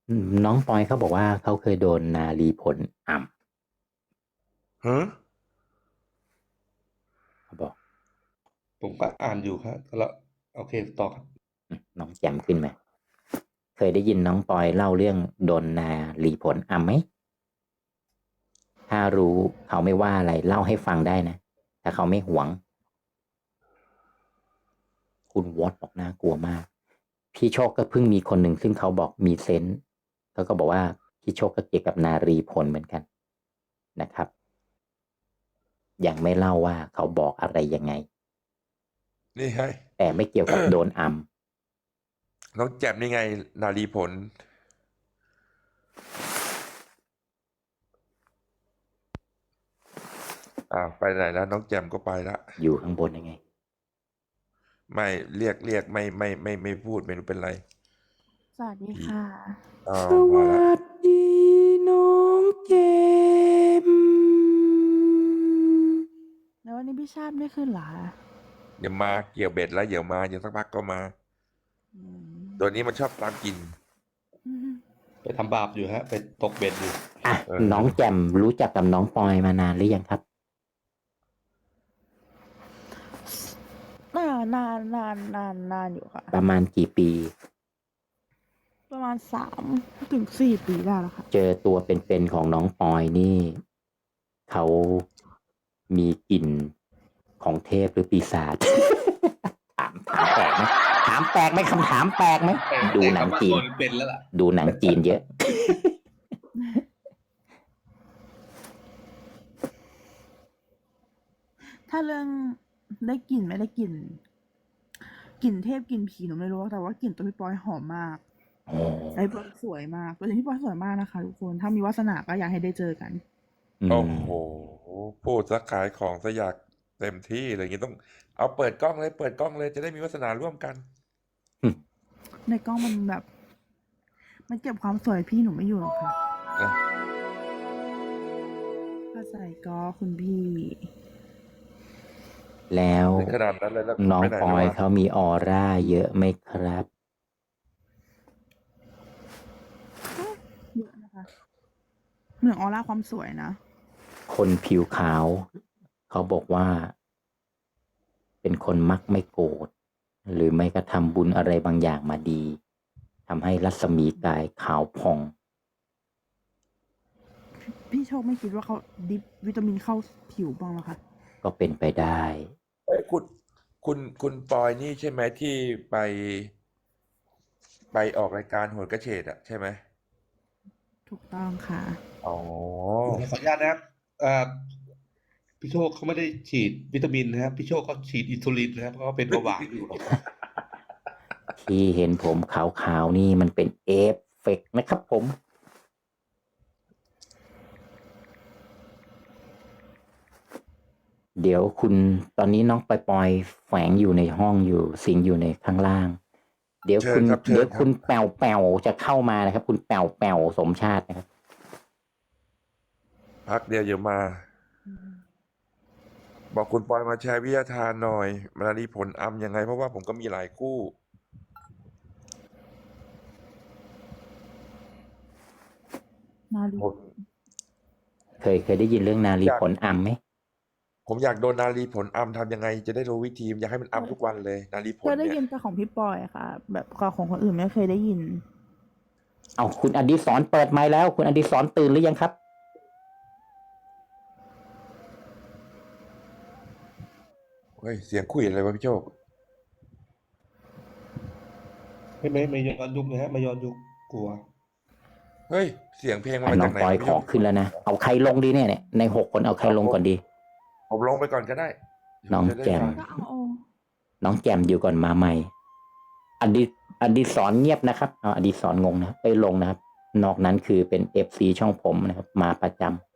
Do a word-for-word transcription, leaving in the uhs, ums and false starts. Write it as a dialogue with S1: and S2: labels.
S1: อืมน้องปอยเขาบอกว่าเขาเคยโดนนารีผลอ่
S2: ฮะ
S1: ำเขาบอก
S3: ผมก็อ่านอยู่ครับแล้วโอเคต่อครับ
S1: อืมน้องแจ่มขึ้นไหมเคยได้ยินน้องปอยเล่าเรื่องโดนนารีผลอ่ำไหมถ้ารู้เขาไม่ว่าอะไรเล่าให้ฟังได้นะถ้าเขาไม่หวงคุณวอตบอกน่ากลัวมากพี่โชคก็เพิ่งมีคนหนึ่งซึ่งเขาบอกมีเซนส์เขาก็บอกว่าพี่โชคก็เกี่ยวกับนารีผลเหมือนกันนะครับยังไม่เล่าว่าเขาบอกอะไรยังไง
S2: นี่ไง
S1: แต่ไม่เกี่ยวกับโดนอัม
S2: น้องแจ่มนี่ไง นารีผลอ่าไปไหนแล้วน้องแจ่มก็ไปละ
S1: อยู่ข้างบนยังไง
S2: ไม่เรียกเรียกไม่ไม่ไม่ไม่พูดไม่รู้เป็นไร
S4: สวัสดีค่ะ
S2: อ๋อ
S1: ส
S2: มา
S1: วั
S2: ละ
S1: สดีน้องเจมส์
S4: แล้ววันนี้พี่ชาติไม่ขึ้นเหรอคะ
S2: เดี๋ยวมาเกี่ยวเบ็ดแล้วเดี๋ยวมาเดี๋ยวสักพักก็มา
S4: อืม
S2: ตัวนี้มันชอบตามกิน
S4: อืม
S3: ไปทำบาปอยู่ฮะไปตกเบ็ดอยู่
S1: อ่ะ
S2: เออ
S1: น้องแจ่มรู้จักกับน้องปอยมานานหรือยังครับ
S4: นานนานนานนานนานอยู่ค่ะ
S1: ประมาณกี่ปี
S4: ประมาณสามถึงสี่ปีได้แล้วค่ะ
S1: เจอตัวเป็นๆของน้องปอยนี่ เขามีกลิ่นของเทพหรือปีศาจ ถามถามแปลกไหมถามแปลกไหมคำถามแปลกไหมดูหนังจีน
S3: เป็นแล้วล่ะ
S1: ดูหนังจีนเยอะ
S4: ถ้าเรื่องได้กลิ่นไม่ได้กลิ่นกลิ่นเทพกลิ่นผีหนูไม่รู้แต่ว่ากลิ่นตัวพี่ปอยหอมมาก
S1: อ๋อ
S4: ไอ้พี่ปอยสวยมากตัวจริงพี่ปอยสวยมากนะคะทุกคนถ้ามีวาสนาก็อยากให้ได้เจอกัน
S1: อืม
S2: โอ้โหพูดสักขายของซะอยากเต็มที่เลยอย่างนี้ต้องเอาเปิดกล้องเลยเปิดกล้องเลยจะได้มีวาสนาร่วมกัน
S4: ในกล้องมันแบบ มันเก็บความสวยพี่หนูไม่อยู่หรอกค่ะ
S2: นะ
S4: ถ้าใส่ก็คุณพี่
S1: แล้ว
S2: ถึงขนาดนั้นเลยแล้ว
S1: น้อง
S2: ไปไหน
S1: ป
S2: แล้ว
S1: อยว
S2: ะ
S1: เขามีออร่าเยอะไหมครับ
S4: เยอะนะคะเหมือนออร่าความสวยนะ
S1: คนผิวขาว เขาบอกว่า เป็นคนมักไม่โกรธหรือไม่กระทำบุญอะไรบางอย่างมาดีทำให้รัศมีกายขาวผ่อง
S4: พี่โชคไม่คิดว่าเขาดิบวิตามินเข้าผิวบ้างเหรอคะ
S1: ก็เป็นไปได้
S2: เอ้ยคุณคุณคุณปอยนี่ใช่ไหมที่ไป ไปออกรายการโหนกระเฉดอะใช่ไหม
S4: ถูกต้องค่ะ
S2: อ๋อ
S3: ขออนุญาตนะครับเอ่อพี่โชคเขาไม่ได้ฉีดวิตามินนะครับพี่โชคเขาฉีดอินซูลินนะครับเพราะเขาเป็นเบาหวานอยู่
S1: ที่เห็นผมขาวๆนี่มันเป็นเอฟเฟกต์นะครับผม เดี๋ยวคุณตอนนี้น้องปอยปอยแฝงอยู่ในห้องอยู่สิงอยู่ในข้างล่าง เดี๋ยว
S2: เชิ
S1: คุ
S2: ญ
S1: ณ
S2: ครับเชิ
S1: เดี๋ยว
S2: ญครั
S1: คุ
S2: บ
S1: ณแปวแปวจะเข้ามานะครับ คุณแปวแปวสมชาตินะครับ
S2: พักเดียวเดี๋ยวมา บอกคุณปอยมาแชร์วิทยาทานหน่อยมันมีผลอัมยังไง เพราะว่าผมก็มีหลายคู่
S4: นาลี
S2: ผม
S1: เคยเคยได้ยินเรื่องนารี
S2: อยาก
S1: ผลอัมไหม
S2: ผมอยากโดนนารีผลอัมทำยังไง จะได้รู้วิธีอยากให้มันอัมทุกวันเลย นารีผ
S4: เค
S2: ล
S4: ยได้
S2: เนี่ย
S4: ยินแต่ของพี่ปอยค่ะ แบบของคนอื่นไม่เคยได้ยิน
S1: เอาคุณอดิศรเปิดไมค์แล้ว คุณอดิศรตื่นหรือยังครับ
S2: เฮ้ยเสียงคุยอะไรวะพี่โชค
S3: ไม่ไม่ไม่ย้อนยุคนะฮะไม่ย้อนยุคกลัว
S2: เฮ้ยเสียงเพลงมัน
S1: อ่ะ
S2: มา
S1: น้อ
S2: จาง กไหน
S1: ปอยว
S2: ะ
S1: ข
S2: พี่โช
S1: อ
S2: ค
S1: ขึ้นแล้วนะ เอาใครลงดีเนี่ยเนี่ยในหกคนเอาใครลงก่อนดี
S2: ผมลงไปก่อนก็ได้เดี๋ยว
S1: น้อง
S2: จะได้
S1: แจ่ม
S2: ฟัง
S4: ก็เอาเอา
S1: น้องแจมอยู่ก่อนมาใหม่ อดิอดิศรเงียบนะครับเอาอดิศรงงนะครับไปลงนะครับ นอกนั้นคือเป็นเอฟซีช่องผมนะครับ มาประจำ